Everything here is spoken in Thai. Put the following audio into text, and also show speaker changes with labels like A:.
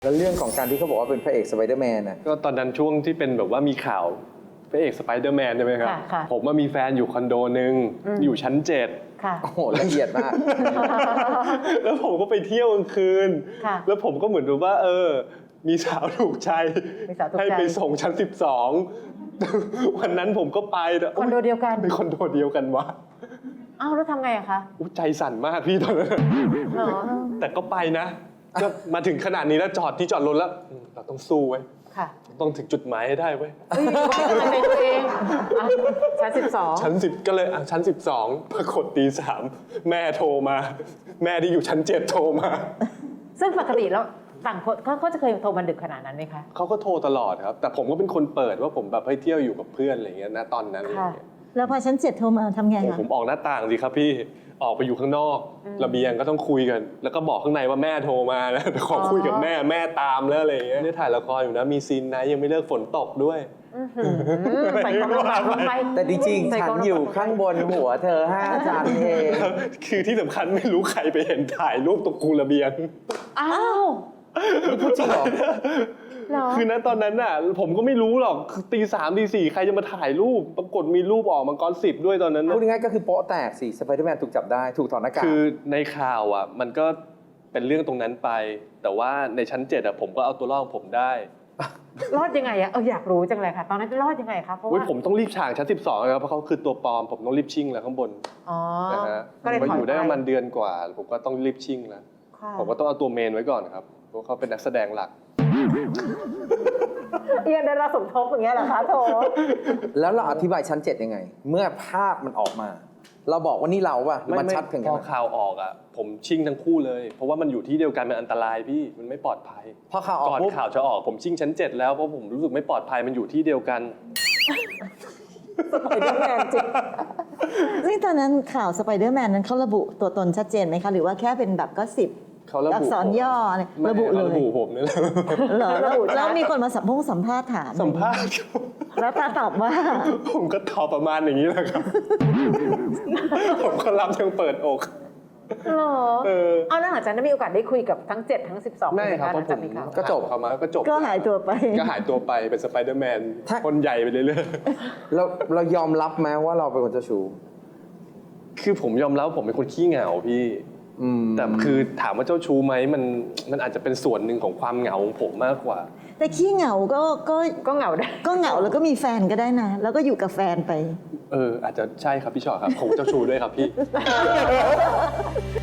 A: แล้วเรื่องของการที่เขาบอกว่าเป็นพระเอกสไปเดอร์แมนน่ะ
B: ก็ตอนนั้นช่วงที่เป็นแบบว่ามีข่าวพระเอกสไปเดอร์แมนใช่ไหมครับผมมีแฟนอยู่คอนโดนึงอยู่ชั้น7
C: ค่ะ
A: โอ้โหละเอียดมาก
B: แล้วผมก็ไปเที่ยวกลางคืนแล้วผมก็เหมือนดูว่ามีสาวถูกใจให้ไปส่งชั้น12วันนั้นผมก็ไป
C: คอนโดเดียวกัน
B: เป็นคอนโดเดียวกันวะ
C: อ้าวแล้วทำไงอะคะ
B: ใจสั่นมากพี่ตอนนั้นแต่ก็ไปนะก็มาถึงขนาดนี้แล้วจอดที่จอดรถแล้วเราต้องสู้ไว้ต้องถึงจุดหมายให้ได้เว้ย
C: ก็ไม่เป็นตัวเองชั้น12
B: ชั้น10ก็เลยชั้น12ปรากฏตี 3แม่โทรมาแม่ที่อยู่ชั้น7โทรมา
C: ซึ่งปกติแล้วต่างคนเขาจะเคยโทรมาดึกขนาดนั้นไหมคะ
B: เขาก็โทรตลอดครับแต่ผมก็เป็นคนเปิดว่าผมแบบให้เที่ยวอยู่กับเพื่อนอะไรเงี้ยนะตอนนั้น
D: แล้วพอชั้น7โทรมาทำไงคะ
B: ผมออกหน้าต่างสิครับพี่ออกไปอยู่ข้างนอกระเบียงก็ต้องคุยกันแล้วก็บอกข้างในว่าแม่โทรมาแล้วขอคุยกับแม่ตามแล้วอะไรเงี้ยนี่ถ่ายละครอยู่นะมีซีนนะยังไม่เลิกฝนตกด้วย
C: ใส่กระเป๋าลงไป
A: แต่จริงๆฉันอยู่ข้างบนหัวเธอ5 ชั้นเอง
B: คือที่สำคัญไม่รู้ใครไปเห็นถ่ายรูปตรงคูระเบียง
C: อ้าว
A: พูดจริงเหรอ
B: คือณตอนนั้นน่ะผมก็ไม่รู้หรอกตี 3ตี 4ใครจะมาถ่ายรูปปรากฏมีรูปออกมังกร10ด้วยตอนนั้น
A: พูดง่ายๆก็คือโป๊ะแตกสิสไปเดอร์แมนถูกจับได้ถูกถอดหน้ากาก
B: คือในข่าวอ่ะมันก็เป็นเรื่องตรงนั้นไปแต่ว่าในชั้น7อ่ะผมก็เอาตัวรอดของผมได้
C: รอดยังไงอะอยากรู้จังเลยค่ะตอนนั้นรอดยังไงคะเพราะว่า
B: ผมต้องรีบฉากชั้น12ครับเพราะเขาคือตัวปลอมผมต้องรีบชิ่งแล้วข้างบนนะฮะก็เลยอยู่ได้ประมาณเดือนกว่าผมก็ต้องรีบชิ่งแล้วผมก็ต้องเอาตัวเมนไว้ก่อนครับเพราะเขาเป็นนักแสดงหลัก
C: ยังได้รับสมทบอย่างเงี้ยเหรอคะโถ
A: แล้วเราอธิบายชั้น7ยังไงเมื่อภาพมันออกมาเราบอกว่านี่เราป่ะมันชัดถึง
B: พอข่าวออกอ่ะผมชิ่งทั้งคู่เลยเพราะว่ามันอยู่ที่เดียวกันมันอันตรายพี่มันไม่ปลอดภัย
A: พอข่าวออก
B: ก่อนข่าวจะออกผมชิ่งชั้น7แล้วเพราะผมรู้สึกไม่ปลอดภัยมันอยู่ที่เดียวกัน
C: สไปเดอร์แมนจริง
D: ซึ่งตอนนั้นข่าวสไปเดอร์แมนนั้นเขาระบุตัวตนชัดเจนไหมคะหรือว่าแค่เป็นแบบก็10อักษรย่อระบุเลย
B: ระบุผมนี่แหละ
D: แล้วมีคนมาสัมภาษณ์ถาม
B: สัมภาษณ์
D: แล้วตาตอบว่า
B: ผมก็ตอบประมาณอย่างนี้แหละครับผมก็รับยังเปิดอก
C: หรอเอาหลังจากนั้นมีโอกาสได้คุยกับทั้ง7ทั้ง12
B: ไม่ครับเพราะผมก็จบเขามาก็จบ
D: ก็หายตัวไป
B: เป็นสไปเดอร์แมนคนใหญ่ไปเรื่อย
A: ๆเรายอมรับไหมว่าเราเป็นคนเจ้าชู้
B: คือผมยอมรับผมเป็นคนขี้เหงาพี่แต่คือถามว่าเจ้าชู้ไหมมันอาจจะเป็นส่วนหนึ่งของความเหงาของผมมากกว่า
D: แต่ขี้เหงา
C: ก็เหงาได้
D: ก็เหงาแล้วก็มีแฟนก็ได้นะแล้วก็อยู่กับแฟนไป
B: อาจจะใช่ครับพี่ชอตครับผมเจ้าชู้ด้วยครับพี่